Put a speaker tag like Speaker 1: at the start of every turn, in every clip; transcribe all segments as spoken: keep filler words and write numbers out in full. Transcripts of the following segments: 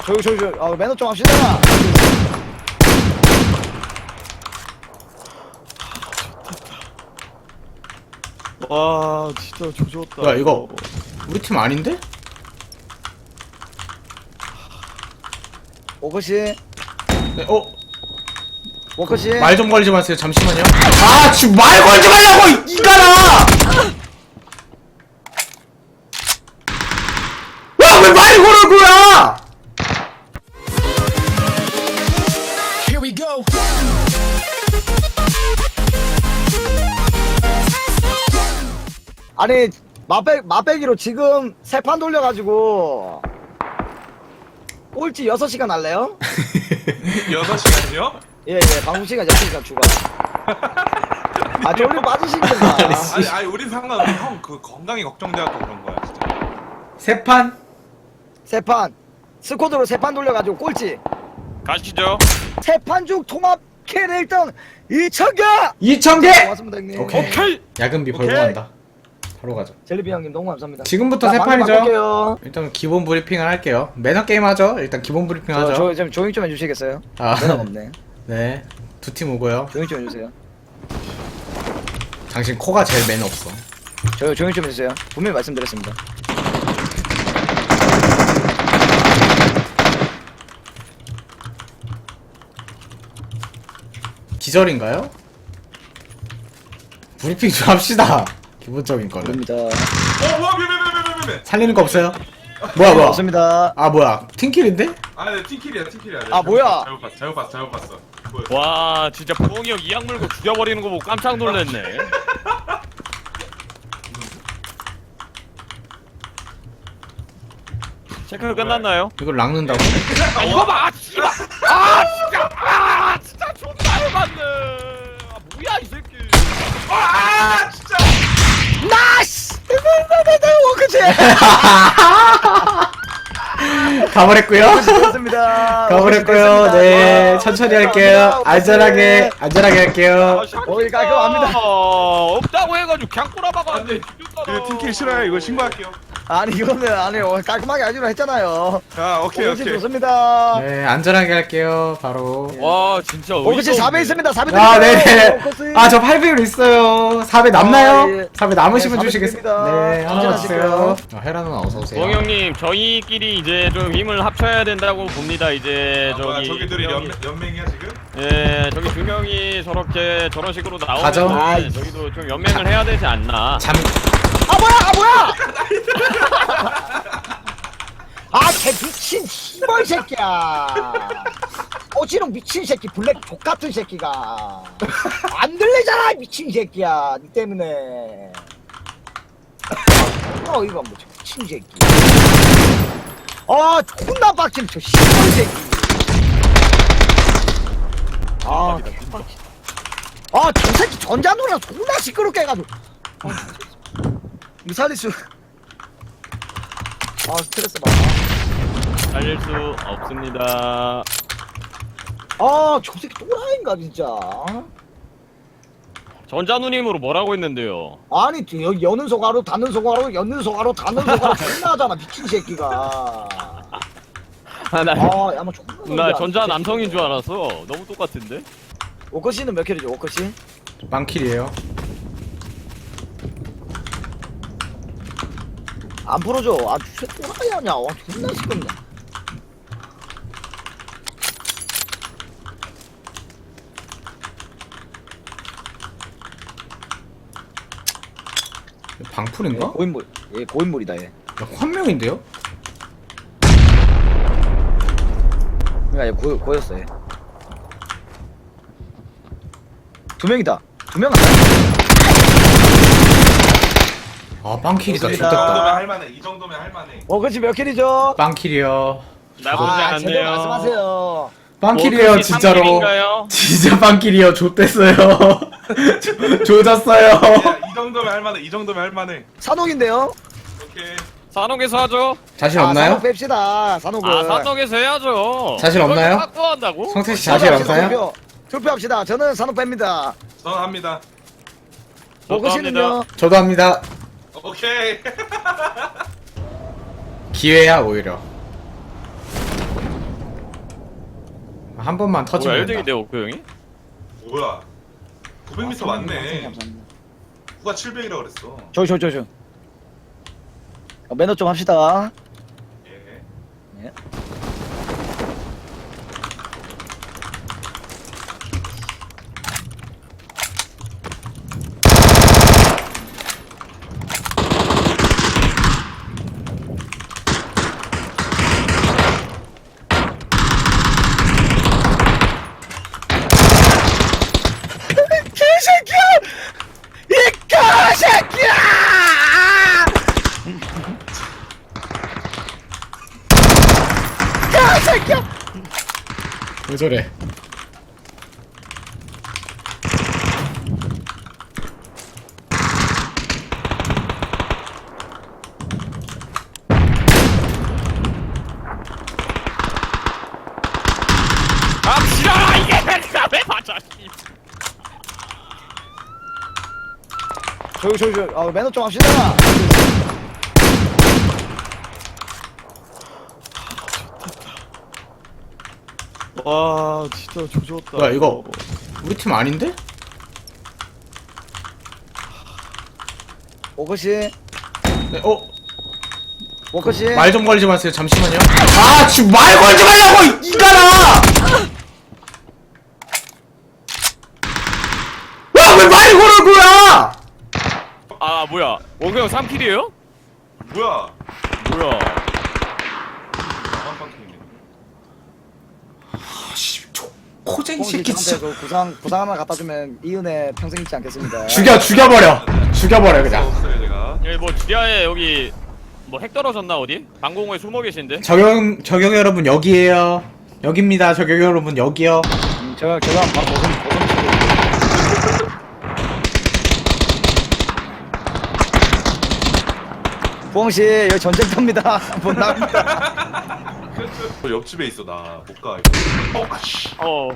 Speaker 1: 조용 조용 조용. 아 매너 좀 합시다.
Speaker 2: 와 진짜 조졌다.
Speaker 3: 야 이거 우리 팀 아닌데?
Speaker 1: 워커씨
Speaker 3: 네, 어?
Speaker 1: 워커씨.
Speaker 3: 말 좀 걸지 마세요. 잠시만요. 아 지금 말 걸지 말라고 이- 이가라! 와 왜 말 걸을 거야?
Speaker 4: Here we go.
Speaker 1: 아니 맛백 맛배기로 지금 세 판 돌려가지고 꼴찌 여섯 시간 할래요?
Speaker 5: 여섯 시간이요?
Speaker 1: 예예 방송 시간 여섯 시간 추가. 아 졸리 빠지시겠다.
Speaker 5: 아니 아니 우린 상관없어. 형 그 건강이 걱정돼갖고 그런 거야 진짜.
Speaker 3: 세 판?
Speaker 1: 세 판 스쿼드로 세 판 돌려가지고 꼴찌.
Speaker 2: 가시죠.
Speaker 1: 세 판 중 통합 킬 일 등 이천 개.
Speaker 3: 이천 개!
Speaker 1: 고맙습니다 형님.
Speaker 3: 오케이.
Speaker 2: 오케이.
Speaker 3: 야근비 벌고
Speaker 2: 오케이.
Speaker 3: 간다. 바로 가자.
Speaker 1: 젤리비 형님 너무 감사합니다.
Speaker 3: 지금부터
Speaker 1: 자,
Speaker 3: 세
Speaker 1: 방금
Speaker 3: 판이죠?
Speaker 1: 바꿀게요.
Speaker 3: 일단 기본 브리핑을 할게요. 매너 게임 하죠? 일단 기본 브리핑
Speaker 1: 저,
Speaker 3: 하죠.
Speaker 1: 저, 좀 조용 좀 해주시겠어요?
Speaker 3: 아.
Speaker 1: 매너가 없네.
Speaker 3: 네. 두 팀 오고요.
Speaker 1: 조용 좀 해주세요.
Speaker 3: 당신 코가 제일 매너 없어.
Speaker 1: 저 조용 좀 해주세요. 분명히 말씀드렸습니다.
Speaker 3: 기절인가요? 브리핑 좀 합시다. 기본적인 거는.
Speaker 1: 모릅니다.
Speaker 5: 어 뭐야 왜왜왜왜왜왜?
Speaker 3: 살리는 거 없어요? 뭐야 뭐야?
Speaker 1: 없습니다.
Speaker 3: 아 뭐야? 팀킬인데?
Speaker 5: 아네 팀킬이야 팀킬이야.
Speaker 1: 아, 뭐야?
Speaker 5: 잘못 봤어 잘못 봤어 잘못 봤어. 뭐야?
Speaker 2: 와 진짜 부엉이 형 이악 물고 죽여버리는 거 보고 깜짝 놀랐네. 체크 끝났나요?
Speaker 3: 이걸 락는다고?
Speaker 2: 아 이거 봐! 씨발! 아 진짜! 아 진짜 존나 해봤네! 아 뭐야 이 새끼!
Speaker 5: 아 진짜.
Speaker 1: 나이스! 워크치!
Speaker 3: 가버렸고요.
Speaker 1: 좋습니다.
Speaker 3: 가버렸고요. 네, 천천히 할게요. 안전하게, 안전하게 할게요.
Speaker 1: 어이, 깔끔합니다.
Speaker 2: 없다고 해가지고 그냥 꼬라박아.
Speaker 5: 안돼. 그 팀킬 싫어요. 이거 신고할게요.
Speaker 1: 아니 이거는 아니 어, 깔끔하게 하기로 했잖아요.
Speaker 5: 자 오케이
Speaker 1: 워크치
Speaker 5: 오케이.
Speaker 1: 좋습니다.
Speaker 3: 네, 안전하게 할게요. 바로.
Speaker 2: 와 진짜
Speaker 1: 워크치
Speaker 2: 어이가
Speaker 1: 사 배
Speaker 2: 없네.
Speaker 1: 있습니다. 사 배
Speaker 3: 아,
Speaker 1: 드릴게요.
Speaker 3: 네네.
Speaker 1: 워크치.
Speaker 3: 아, 저 팔 배율 있어요. 사 배 남나요?
Speaker 1: 아, 예.
Speaker 3: 사 배 남으시면
Speaker 1: 네, 사 배
Speaker 3: 주시겠어요?
Speaker 1: 드립니다.
Speaker 3: 네, 하나
Speaker 1: 안전하시고요.
Speaker 3: 주세요. 어, 헤라 누나 어서오세요.
Speaker 2: 부엉이 형님 저희끼리 이제 좀 힘을 합쳐야 된다고 봅니다. 이제
Speaker 5: 아, 뭐야,
Speaker 2: 저기
Speaker 5: 저기들이
Speaker 2: 두 명이-
Speaker 5: 연 연맹이야 지금?
Speaker 2: 예, 저기 두 명이 저렇게 저런 식으로
Speaker 3: 가죠.
Speaker 2: 나오면
Speaker 1: 아이.
Speaker 2: 저기도 좀 연맹을 해야 되지 않나.
Speaker 3: 잠,
Speaker 1: 아 뭐야 아 뭐야 아쟤 미친 씨발 새끼야 오지롱 미친 새끼 블랙 족같은 새끼가 안 들리잖아 미친 새끼야 니 때문에 어 이거 뭐 저 미친 새끼 아 존나 빡친 저 씨발 새끼 아 개빡치 아저 새끼 전자누나 존나 시끄럽게 해가지고 아, 이거 살릴 수 아 스트레스 받아
Speaker 2: 살릴 수 없습니다.
Speaker 1: 아, 저 새끼 또라이인가 진짜.
Speaker 2: 전자누님으로 뭐라고 했는데요?
Speaker 1: 아니, 여기 여는 소가로, 닫는 소가로, 여는 소가로, 닫는 소가로 존나 하잖아, 미친 새끼가.
Speaker 2: 아, 나,
Speaker 1: 아, 야마 존나.
Speaker 2: 나
Speaker 1: 놀라,
Speaker 2: 전자
Speaker 1: 미친
Speaker 2: 남성인 줄
Speaker 1: 새끼가.
Speaker 2: 알았어. 너무 똑같은데?
Speaker 1: 워커씨는 몇 킬이죠, 워커씨?
Speaker 3: 빵킬이에요.
Speaker 1: 안 풀어줘. 아, 쟤 또라이 아니야. 와, 존나 시끄럽네.
Speaker 3: 방풀인가?
Speaker 1: 고인물. 예, 고인물이다, 얘.
Speaker 3: 야, 환명인데요?
Speaker 1: 그니까 얘 고, 고였어, 얘. 두 명이다. 두 명 아니야?
Speaker 3: 아, 빵킬이다.
Speaker 1: 좋습니다.
Speaker 5: 이 정도면
Speaker 3: 좋겠다.
Speaker 5: 할만해. 이 정도면 할만해.
Speaker 1: 워커씨 몇 킬이죠?
Speaker 3: 빵킬이요.
Speaker 2: 나보지
Speaker 1: 아, 제대로
Speaker 2: 않네요.
Speaker 1: 말씀하세요.
Speaker 3: 빵킬이에요,
Speaker 2: 워크시
Speaker 3: 진짜로.
Speaker 2: 삼킬인가요?
Speaker 3: 진짜 빵킬이요. 좆됐어요. 조- 조졌어요.
Speaker 5: 야, 이 정도면 할만해. 이 정도면 할만해.
Speaker 1: 산옥인데요?
Speaker 5: 오케이.
Speaker 2: 산옥에서 하죠?
Speaker 3: 자신
Speaker 1: 아,
Speaker 3: 없나요?
Speaker 1: 산옥 뺍시다, 산옥을.
Speaker 2: 아, 산옥에서 해야죠.
Speaker 3: 자신 없나요?
Speaker 2: 확보한다고?
Speaker 3: 성태 씨 자신 없나요?
Speaker 1: 투표, 투표합시다. 저는 산옥 뺍니다.
Speaker 5: 전 합니다.
Speaker 1: 워커씨는요?
Speaker 3: 저도 합니다.
Speaker 5: 오케이.
Speaker 3: 기회야, 오히려. 한 번만
Speaker 2: 뭐야
Speaker 3: 터지면
Speaker 2: 일 등인데
Speaker 3: 된다.
Speaker 2: 옥구 형이?
Speaker 5: 뭐야? 구백 미터
Speaker 1: 아,
Speaker 5: 맞네.
Speaker 1: 감사합니다.
Speaker 5: 누가 칠백이라 그랬어.
Speaker 1: 저기 저기 저기 저기. 어, 매너 좀 합시다.
Speaker 5: 예.
Speaker 1: 예. 개새끼야! 이 개새끼야! 개새끼야!
Speaker 3: 왜 저래?
Speaker 2: 아 지랄아 이게 내가 왜 맞아 씨.
Speaker 1: 저기 저기 저기. 아, 매너 좀 합시다.
Speaker 2: 와 진짜 조졌다.
Speaker 3: 뭐야 이거 우리 팀 아닌데?
Speaker 1: 워커씨,
Speaker 3: 네, 어?
Speaker 1: 워커씨.
Speaker 3: 말 좀 걸지 마세요. 잠시만요. 아, 지금 말 걸지 말라고 이가라. 야, 왜 말 걸을 거야?
Speaker 2: 아 뭐야 옥구 형 삼 킬이에요?
Speaker 5: 뭐야?
Speaker 2: 뭐야
Speaker 5: 나만 빡치네.
Speaker 3: 아씨, 코쟁이
Speaker 1: 홍씨
Speaker 3: 새끼
Speaker 1: 저한테
Speaker 3: 진짜.
Speaker 1: 그 구상 구상 하나 갖다 주면 이 은혜 평생 잊지 않겠습니다.
Speaker 3: 죽여, 죽여버려. 죽여버려 그냥.
Speaker 5: 없어요 제가.
Speaker 2: 여기 뭐 지하에 여기 뭐 핵 떨어졌나 어디? 방공호에 숨어 계신데?
Speaker 3: 적용, 적용 여러분 여기에요. 여기입니다. 적용 여러분 여기요.
Speaker 1: 음, 제가 제가 바로 보성 보성 치고. 부엉씨 여기 전쟁터입니다. 못 나갑니다.
Speaker 5: 저 옆집에 있어 나 못 가 이거. 어, 아씨.
Speaker 2: 어.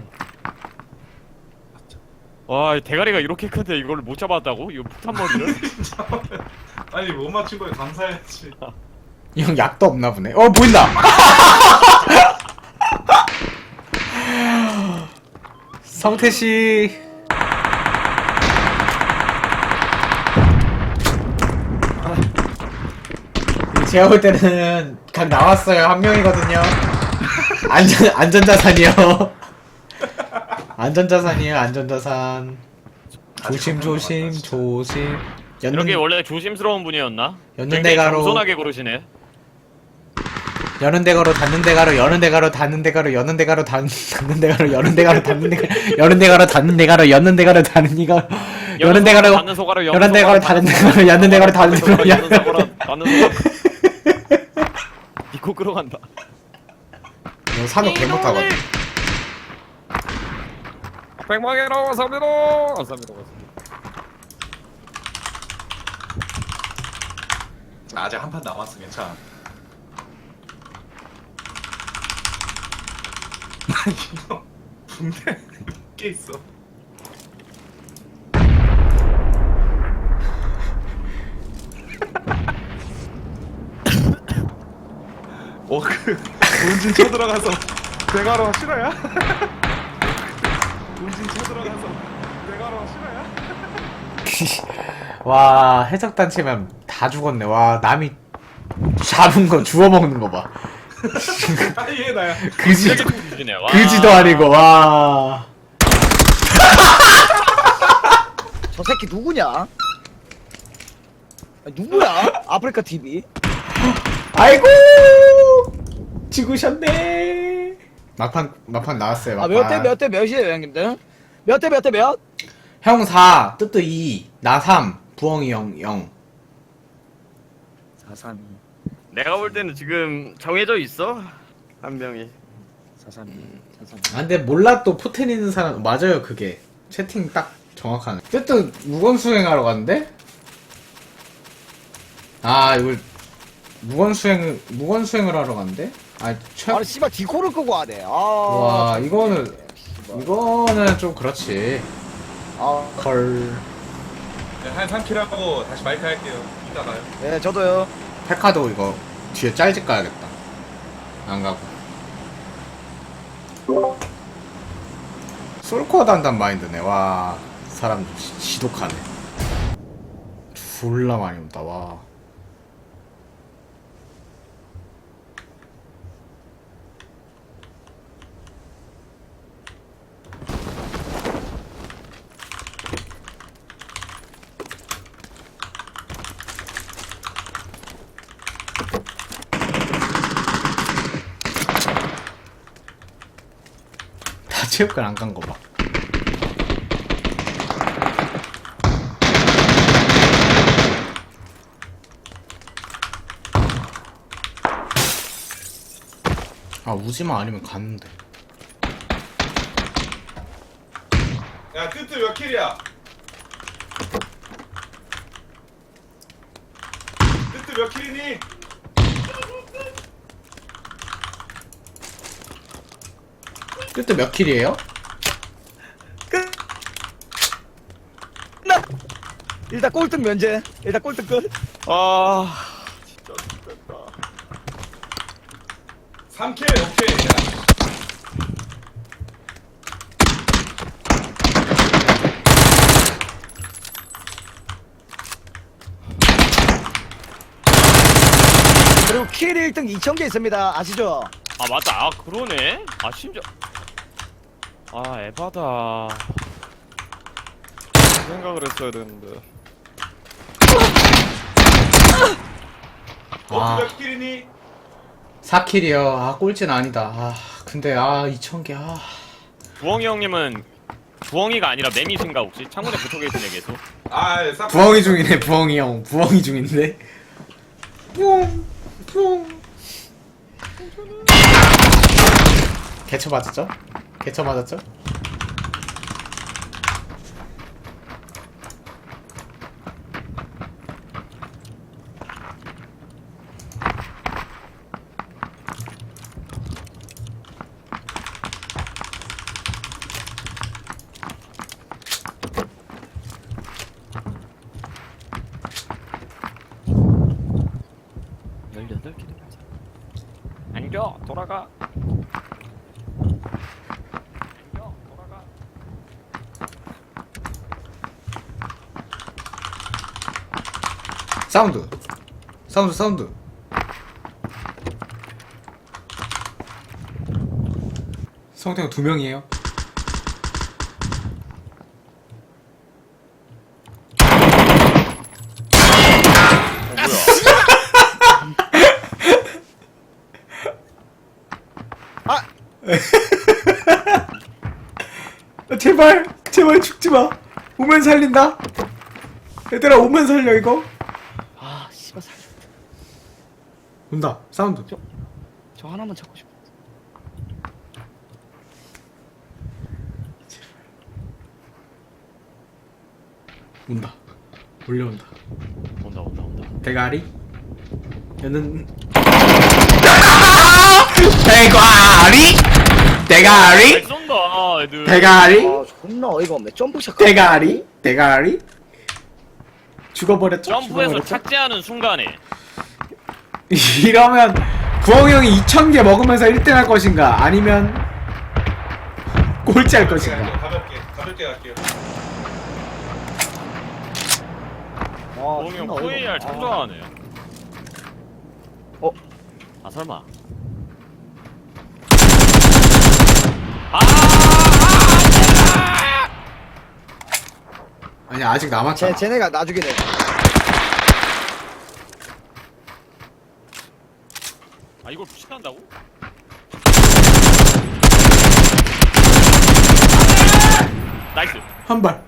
Speaker 2: 와, 이 대가리가 이렇게 큰데 이걸 못 잡았다고? 이거 폭탄 머리를?
Speaker 5: 아니 못 맞춘 거에 감사해야지.
Speaker 3: 이 형 약도 없나 보네. 어, 보인다. 성태 씨. 제가 볼 때는 각 나왔어요. 한 명이거든요. 안전 안전자산이요. 안전자산이에요. 안전자산. 조심 조심 조심.
Speaker 2: 이렇게
Speaker 3: 연는
Speaker 2: 원래 조심스러운 분이었나?
Speaker 3: 연는
Speaker 2: 굉장히
Speaker 3: 대가로
Speaker 2: 겸손하게 고르시네.
Speaker 3: 여는 대가로 닫는 대가로 여는 대가로 닫는 대가로 여는 대가로 닫는 닫는 대가로 여는 대가로 닫는 대가로 여는 대가로 닫는 대가로 여는 대가로 닫는 이거 여는 대가로
Speaker 2: 닫는 소가로
Speaker 3: 여는 대가로 닫는 대가로 여는 대가로 닫는 대가로
Speaker 2: 여는 소가로 닫는 소가로 니코 끌어간다.
Speaker 3: 너 산업 개 못하거든.
Speaker 2: 백망해로 감사합니다. 감사합니다.
Speaker 5: 아직 한 판 남았어 괜찮아. 아니 이거 붕대 꽤 있어. 어그 본진 쳐들어가서 대가로 싫어야? 본진 쳐들어가서 대가로 싫어야?
Speaker 3: 와 해적단체면 다 죽었네. 와 남이 잡은 거 주워 먹는 거 봐.
Speaker 5: 아니 얘 나야.
Speaker 3: 그지
Speaker 2: 되게 좋으시네. 와.
Speaker 3: 그지도 아니고 와.
Speaker 1: 저 새끼 누구냐? 아, 누구야? 아프리카 티비.
Speaker 3: 아이고 죽으셨네. 막판 막판 나왔어요.
Speaker 1: 아,
Speaker 3: 막판.
Speaker 1: 몇 대 몇 대 몇이에요, 형님들? 몇 대 몇 대 몇?
Speaker 3: 형 사, 뜨뜨 이, 나 삼, 부엉이 형 영.
Speaker 1: 사삼이,
Speaker 2: 내가 볼 때는 지금 정해져 있어. 한 명이.
Speaker 1: 사삼이, 사삼이.
Speaker 3: 아 근데 몰라 또 포텐 있는 사람 맞아요 그게 채팅 딱 정확하네. 뜨뜨 무건 수행하러 갔는데? 아 이걸 무건 수행 무건 수행을 하러 갔는데? 아 최.
Speaker 1: 아니 씨발 디코를 끄고 하네. 아.
Speaker 3: 와, 이거는-
Speaker 1: 씨발.
Speaker 3: 이거는 좀 그렇지.
Speaker 1: 아,
Speaker 3: 헐.
Speaker 5: 네, 한 삼 킬 하고 다시 마이크 할게요. 이따 가요.
Speaker 1: 네, 저도요.
Speaker 3: 페카도 이거 뒤에 짤집 가야겠다. 안 가고. 솔코어도 한단 마인드네. 와 사람 지, 지독하네. 졸라 많이 온다. 와. 다 체육관 안 간 거 봐. 아 우지마 아니면 갔는데.
Speaker 5: 야 뜨뜨 몇 킬이야? 뜨뜨 몇 킬이니?
Speaker 3: 그때 몇 킬이에요?
Speaker 1: 끝. 나 일단 꼴등 면제. 일단 꼴등 끝.
Speaker 2: 아 진짜 죽겠다.
Speaker 5: 삼 킬 오케이.
Speaker 1: 그리고 킬 일 등 이천 개 있습니다. 아시죠?
Speaker 2: 아 맞다. 아 그러네. 아 심지어 아 에바다. 그 생각을 했어야 되는데.
Speaker 3: 아.
Speaker 5: 너몇 킬이니?
Speaker 3: 사 킬이요. 아 꼴찌는 아니다. 아 근데 아 이천 개. 아.
Speaker 2: 부엉이 형님은 부엉이가 아니라 매미신가 혹시? 창문에 붙어 계시네 계속.
Speaker 5: 아 예, 싹.
Speaker 3: 부엉이 중이네. 부엉이 형. 부엉이 중인데. 뿅. 뿅. 개쳐 맞았죠? 개쳐 맞았죠?
Speaker 2: 열여덟 개 맞아. 안겨 돌아가. 안겨 돌아가.
Speaker 3: 사운드. 사운드 사운드. 성태가 두 명이에요.
Speaker 1: 아,
Speaker 3: 제발 제발 죽지 마. 오면 살린다. 얘들아 오면 살려 이거.
Speaker 1: 아, 씨발 살려.
Speaker 3: 온다. 사운드.
Speaker 1: 저 하나만 찾고 싶어.
Speaker 3: 온다. 몰려온다.
Speaker 2: 온다 온다 온다.
Speaker 3: 대가리. 얘는 대가리.
Speaker 2: 잘
Speaker 3: 대가리.
Speaker 2: 쏜다 애들.
Speaker 3: 대가리.
Speaker 1: 아, 존나 어이가 없네. 점프샷.
Speaker 3: 대가리. 대가리. 죽어버렸죠?
Speaker 2: 점프해서
Speaker 3: 죽어버렸죠?
Speaker 2: 착지하는 순간에
Speaker 3: 이러면 구엉이 형이 이천 개 먹으면서 일 등 할 것인가? 아니면 꼴찌 할 것인가?
Speaker 5: 가볍게 가볍게 갈게요.
Speaker 1: 와,
Speaker 2: 부엉이 형
Speaker 1: 존나 어이가
Speaker 2: 후에이알
Speaker 1: 없네.
Speaker 2: 참 좋아하네.
Speaker 1: 어?
Speaker 2: 아 설마. 아! 아!
Speaker 3: 아니 아직 남았잖아.
Speaker 1: 쟤, 쟤네가 나중에 내.
Speaker 2: 아 이걸 무시한다고? 나이스.
Speaker 3: 한 발.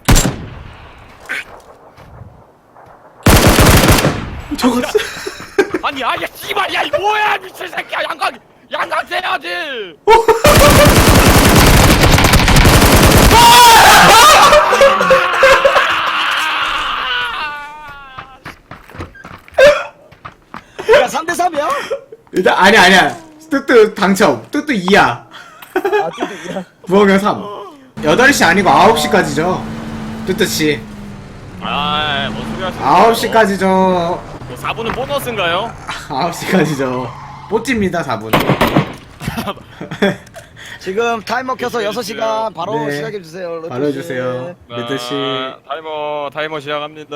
Speaker 3: 저거
Speaker 2: 아니 아야 씨발 야이 뭐야 미친 새끼야 양각 양각 돼야지.
Speaker 1: 야, 삼 대 삼이야?
Speaker 3: 일단 아니 아니야. 뚜뚜 당첨. 뚜뚜 이야.
Speaker 1: 아, 뚜뚜.
Speaker 3: 부엉이 형 삼. 여덟 시 아니고 아홉 시까지죠. 뚜뚜 씨.
Speaker 2: 아뭔 소리 하시는
Speaker 3: 아홉 시까지죠.
Speaker 2: 사 분은 보너스인가요?
Speaker 3: 아홉 시까지죠. 뽀찌입니다, 사 분.
Speaker 1: 지금 타이머 켜서 여섯 시간 바로
Speaker 3: 네.
Speaker 1: 시작해 주세요.
Speaker 3: 바로 해주세요. 리드 씨.
Speaker 2: 아, 타이머 타이머 시작합니다.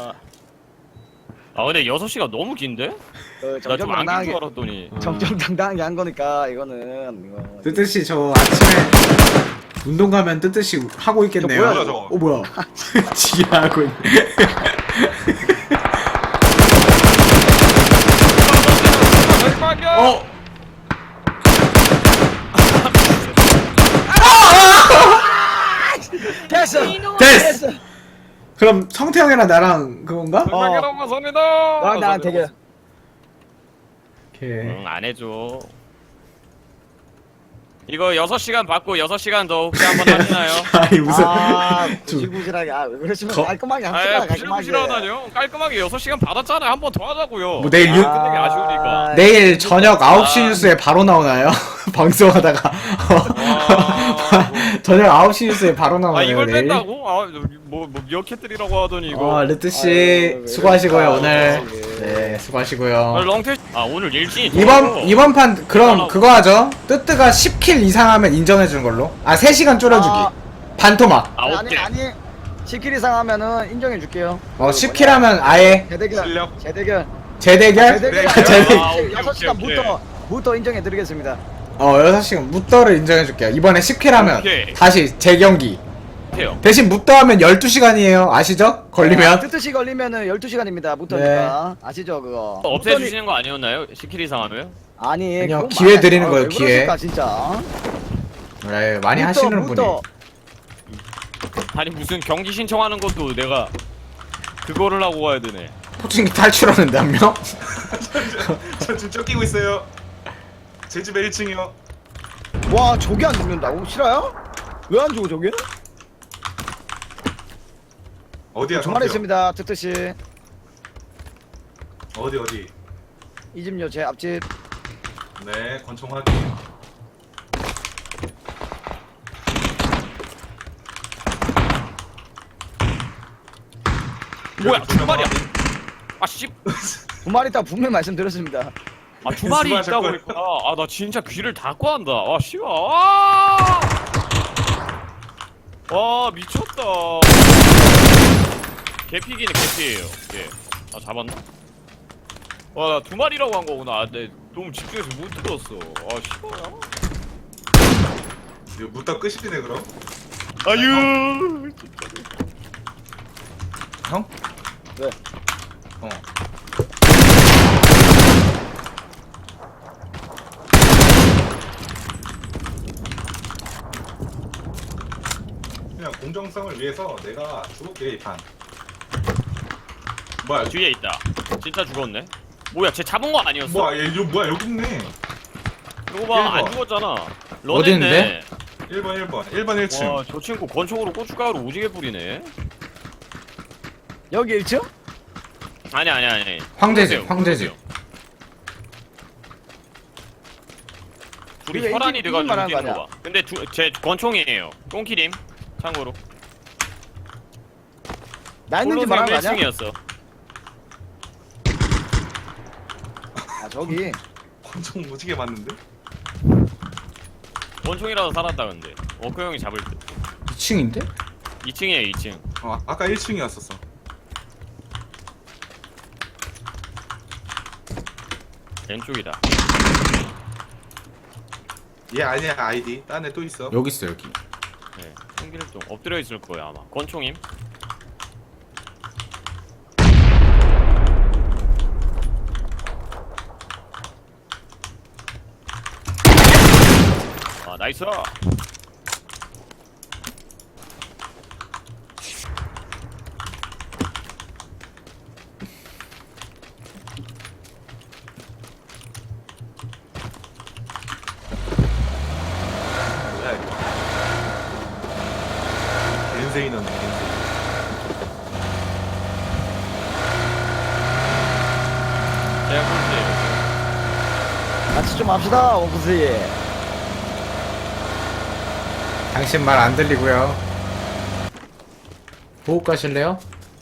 Speaker 2: 아 근데 여섯 시가 너무 긴데?
Speaker 1: 그
Speaker 2: 나 좀 안 긴 줄
Speaker 1: 정정당당하게
Speaker 2: 알았더니.
Speaker 1: 정정당당하게 한 거니까 이거는 이거.
Speaker 3: 뜨뜻이 저 아침에 운동 가면 뜨뜻이 하고 있겠네요.
Speaker 1: 저
Speaker 5: 뭐야, 저거?
Speaker 3: 어 뭐야? 지하고 있네. 어?
Speaker 1: 됐어.
Speaker 3: 됐어. 그럼 성태형이랑 나랑 그건가?
Speaker 1: 어.
Speaker 2: 백만개로 감사합니다.
Speaker 1: 너랑 나랑 대결.
Speaker 3: 오케이.
Speaker 2: 응, 안 해줘. 이거 여섯 시간 받고 여섯 시간 더 혹시 한번 하시나요?
Speaker 3: 아니 무슨
Speaker 1: 아,
Speaker 3: 좀-
Speaker 1: 구질구질하게. 아, 왜 그러시면
Speaker 3: 거-
Speaker 1: 깔끔하게
Speaker 2: 아,
Speaker 1: 합시다. 깔끔하게.
Speaker 2: 부실부실하다뇨. 깔끔하게 여섯 시간 받았잖아요. 한 번 더 하자고요.
Speaker 3: 뭐 내일 유-
Speaker 2: 아, 끝내기 아쉬우니까.
Speaker 3: 내일 저녁 아홉 시
Speaker 2: 아.
Speaker 3: 뉴스에 바로 나오나요? 방송하다가 저녁 아홉 시 뉴스에 바로
Speaker 2: 아
Speaker 3: 나오나요?
Speaker 2: 이걸
Speaker 3: 내일?
Speaker 2: 뺀다고? 아뭐뭐 뭐 미어캣들이라고 하더니 이거.
Speaker 3: 아 르트
Speaker 1: 아유,
Speaker 3: 씨
Speaker 1: 왜
Speaker 3: 수고하시고요
Speaker 1: 그럴까,
Speaker 3: 오늘.
Speaker 1: 갑자기.
Speaker 3: 네
Speaker 2: 아,
Speaker 3: 수고하시고요.
Speaker 2: 롱테. 아 오늘 일진이.
Speaker 3: 이번
Speaker 2: 더워서.
Speaker 3: 이번 판 그럼
Speaker 2: 아,
Speaker 3: 그거 하죠. 뜨뜨가 십 킬 이상 하면 인정해 주는 걸로. 아 세 시간 줄여주기.
Speaker 1: 아.
Speaker 3: 반토막.
Speaker 2: 아
Speaker 1: 아니
Speaker 2: 오케이.
Speaker 1: 아니 십 킬 이상 하면은 인정해 줄게요.
Speaker 3: 어 십 킬 하면 아예
Speaker 1: 재대결.
Speaker 5: 실력.
Speaker 1: 재대결.
Speaker 3: 재대결?
Speaker 1: 재대결.
Speaker 3: 아, 재대.
Speaker 2: 아, 오케이,
Speaker 1: 여섯 시간
Speaker 2: 오케이,
Speaker 1: 무더 무더 인정해 드리겠습니다.
Speaker 3: 어 여섯 시간 무더를 인정해 줄게요. 이번에 십 킬 하면
Speaker 2: 오케이.
Speaker 3: 다시 재경기.
Speaker 2: 해요.
Speaker 3: 대신 무더 하면 열두 시간이에요. 아시죠? 걸리면.
Speaker 1: 뜻뜻이 걸리면은 열두 시간입니다. 무더니까. 아시죠 그거?
Speaker 2: 없애주시는 거 아니었나요? 십 킬 이상 하면?
Speaker 1: 아니
Speaker 3: 아니요,
Speaker 1: 그건
Speaker 3: 기회
Speaker 1: 말이
Speaker 3: 드리는
Speaker 1: 안-
Speaker 3: 거예요,
Speaker 1: 왜
Speaker 3: 기회.
Speaker 1: 그러실까, 진짜.
Speaker 3: 네, 많이
Speaker 1: 무더,
Speaker 3: 하시는 분이.
Speaker 1: 무더.
Speaker 2: 아니 무슨 경기 신청하는 것도 내가 그거를 하고 가야 되네.
Speaker 3: 포칭기 탈출하는데 한 명?
Speaker 5: 저 지금 쫓기고 있어요. 제 집에 일 층이요.
Speaker 1: 와 저게 안 죽는다고? 싫어요? 왜 안 죽어 저게?
Speaker 5: 어디야?
Speaker 1: 주말에
Speaker 5: 성태형?
Speaker 1: 있습니다. 뜻뜻이
Speaker 5: 어디 어디?
Speaker 1: 이 집요 제 앞집.
Speaker 5: 네, 권총 확인.
Speaker 2: 뭐야
Speaker 5: 여기 두
Speaker 2: 주말이야.
Speaker 5: 명
Speaker 2: 아 씨.
Speaker 1: 두 마리 있다 분명히 말씀드렸습니다.
Speaker 2: 아 주말이 있다고
Speaker 5: 수고하셨고요.
Speaker 2: 했구나. 아 나 진짜 귀를 닫고 한다. 아 씨발. 아. 와 미쳤다. 개피기는 개피예요. 예. 아 잡았나? 와 나 두 마리라고 한 거구나. 아, 내 너무 집중해서 못 들었어. 아 씨발야.
Speaker 5: 이거 무다 끝이네 그럼.
Speaker 2: 아유.
Speaker 5: 형?
Speaker 1: 왜?
Speaker 5: 어. 그냥 공정성을 위해서 내가 죽을게 이 판. 뭐야?
Speaker 2: 뒤에 있다. 진짜 죽었네. 뭐야 쟤 잡은 거 아니었어?
Speaker 5: 뭐야? 얘 이거 뭐야? 여기 있네.
Speaker 2: 이거 봐, 안
Speaker 5: 일 번.
Speaker 2: 죽었잖아.
Speaker 3: 어디 있는데?
Speaker 5: 일 번 일 번 일 번 일 층.
Speaker 2: 와, 저 친구 권총으로 고춧가루 오지게 뿌리네.
Speaker 1: 여기 일 층?
Speaker 2: 아니 아니 아니.
Speaker 3: 황제집,
Speaker 2: 보세요,
Speaker 3: 황제집.
Speaker 2: 보세요. 둘이
Speaker 1: 이거
Speaker 2: 혈안이
Speaker 1: 인기-
Speaker 2: 돼가지고
Speaker 1: 인기 말하는
Speaker 2: 뛰는
Speaker 1: 거
Speaker 2: 거 봐. 근데 두, 제 권총이에요. 똥키림. 참고로.
Speaker 1: 나 있는지
Speaker 2: 홀로셈
Speaker 1: 말하는 거
Speaker 2: 일
Speaker 1: 아니야?
Speaker 2: 층이었어.
Speaker 1: 아 저기
Speaker 5: 권총 오지게 맞는데?
Speaker 2: 권총이라도 살았다 근데. 워크 형이 잡을 듯.
Speaker 3: 이 층인데?
Speaker 2: 이 층이에요 이 층.
Speaker 5: 어, 아까 일 층이었었어.
Speaker 2: 왼쪽이다.
Speaker 5: 얘 아니야 아이디. 딴 애 또 있어.
Speaker 3: 여기 있어 여기.
Speaker 2: 네. 홍길동 엎드려 있을 거예요 아마. 권총임. 아 나이스.
Speaker 5: 뭐야 이거? 겐세이 넣네 겐세이.
Speaker 2: 제가 꼴찌.
Speaker 1: 같이 좀 합시다 원쿠스이.
Speaker 3: 당신 말 안 들리고요. 보호 가실래요?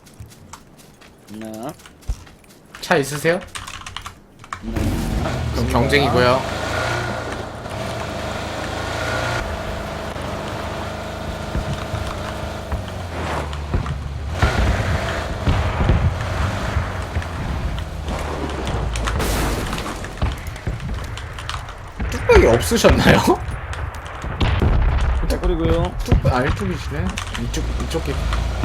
Speaker 1: 네.
Speaker 3: 차 있으세요? 그럼 경쟁이고요. 뚝배기 없으셨나요?
Speaker 1: 그리고요.
Speaker 3: 뚝배 아 일뚝이시네. 이쪽 이쪽 기.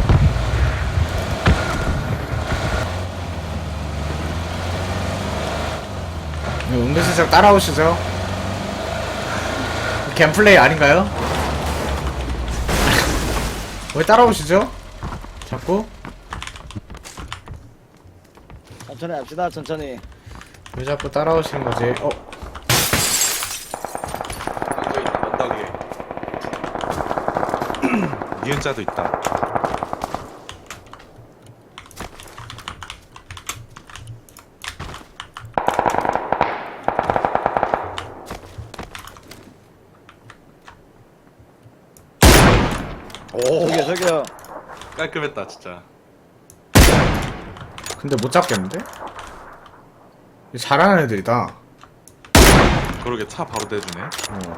Speaker 3: 은근슬쩍 따라오시죠. 갬플레이 아닌가요? 왜 따라오시죠? 자꾸?
Speaker 1: 천천히 합시다. 천천히.
Speaker 3: 왜 자꾸 따라오시는 거지? 어?
Speaker 5: 여기 있다 언덕에. 니은자도 있다.
Speaker 1: 오. 저기요 저기요.
Speaker 5: 깔끔했다 진짜.
Speaker 3: 근데 못 잡겠는데? 잘하는 애들이다.
Speaker 5: 그러게 차 바로 대주네.
Speaker 3: 어.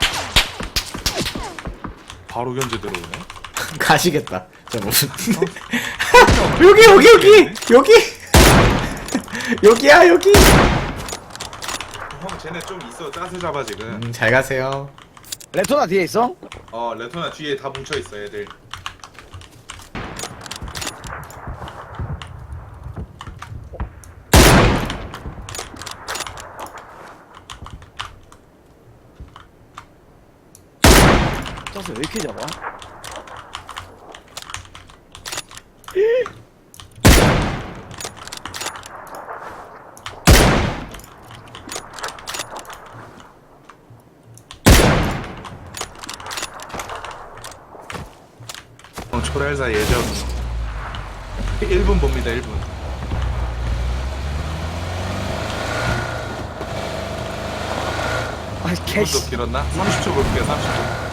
Speaker 5: 바로 견제 들어오네.
Speaker 3: 가시겠다. 저 무슨 여기 여기 여기 여기 여기야 여기.
Speaker 5: 형 쟤네 좀 있어. 짜세 잡아 지금.
Speaker 3: 음, 잘 가세요.
Speaker 1: 레토나 뒤에 있어?
Speaker 5: 어 레토나 뒤에 다 뭉쳐 있어 애들.
Speaker 1: 짜서 왜 이렇게 잡아?
Speaker 5: 형 초랄사 예정. 일 분 봅니다 일 분.
Speaker 1: 아
Speaker 5: 일 분도
Speaker 1: 개씨.
Speaker 5: 길었나? 삼십 초 볼게요 삼십 초.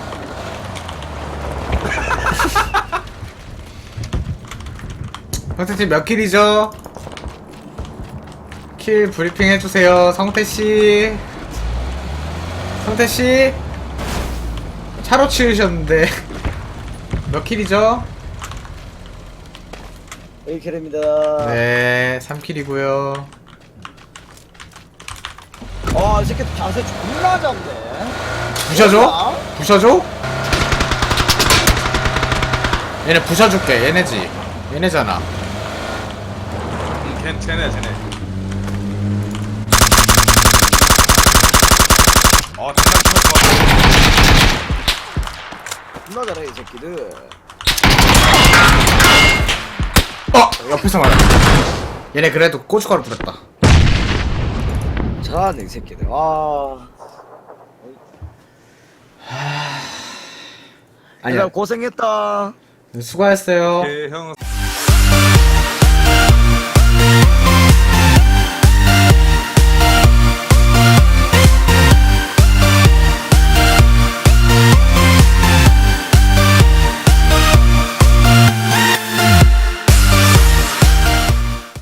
Speaker 3: 성태씨 몇 킬이죠? 킬 브리핑 해주세요. 성태씨. 성태씨. 차로 치우셨는데. 몇 킬이죠?
Speaker 1: 일 킬입니다.
Speaker 3: 네, 삼 킬이고요.
Speaker 1: 아, 이 새끼 자세 존나 잡네.
Speaker 3: 부셔줘? 부셔줘? 얘네 부셔줄게. 얘네지. 얘네잖아.
Speaker 5: 음, 걘 쟤네 쟤네. 어 장난 좋았어.
Speaker 1: 존나 잘해, 이 새끼들.
Speaker 3: 어! 옆에서 말해. 얘네 그래도 고춧가루 뿌렸다.
Speaker 1: 잘하네, 이 새끼들. 아.
Speaker 3: 아니야.
Speaker 1: 고생했다.
Speaker 3: 수고했어요.
Speaker 5: 오케이 형.